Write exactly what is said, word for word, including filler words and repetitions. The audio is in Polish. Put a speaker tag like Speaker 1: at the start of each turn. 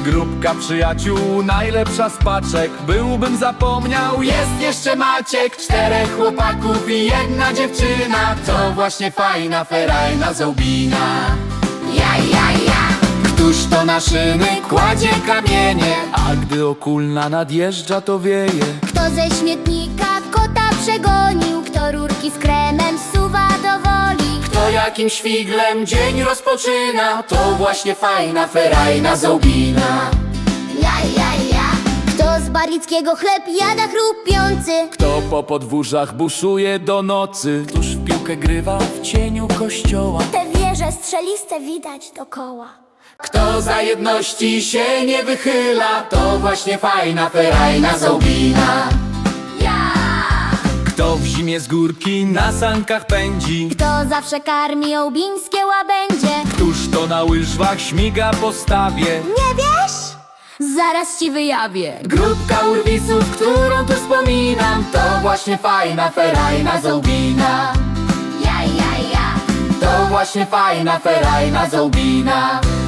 Speaker 1: Grupka przyjaciół, najlepsza z paczek. Byłbym zapomniał, jest jeszcze Maciek. Czterech chłopaków i jedna dziewczyna. To właśnie fajna, ferajna zołbina. Ja, ja, ja. Któż to na szyny kładzie kamienie, a gdy okulna nadjeżdża, to wieje.
Speaker 2: Kto ze śmietnika kota przegonił, kto rurki z kremem suwa do woli.
Speaker 1: Kto jakim świglem dzień rozpoczyna, to właśnie fajna, ferajna zołbina.
Speaker 2: Ja, ja, ja. Kto z Balickiego chleb jada chrupiący,
Speaker 1: Kto po podwórzach buszuje do nocy, któż w piłkę grywa w cieniu kościoła.
Speaker 2: te wieże strzeliste widać dokoła.
Speaker 1: Kto za jedności się nie wychyla, to właśnie fajna, ferajna zołbina.
Speaker 2: Ja.
Speaker 1: Kto w zimie z górki na sankach pędzi,
Speaker 2: Kto zawsze karmi ołbińskie łabędzie.
Speaker 1: któż to na łyżwach śmiga po stawie.
Speaker 2: Nie wiesz? Zaraz ci wyjawię.
Speaker 1: Grupka urwisów, którą tu wspominam, to właśnie fajna, ferajna zołbina.
Speaker 2: Ja, ja, ja.
Speaker 1: To właśnie fajna, ferajna zołbina.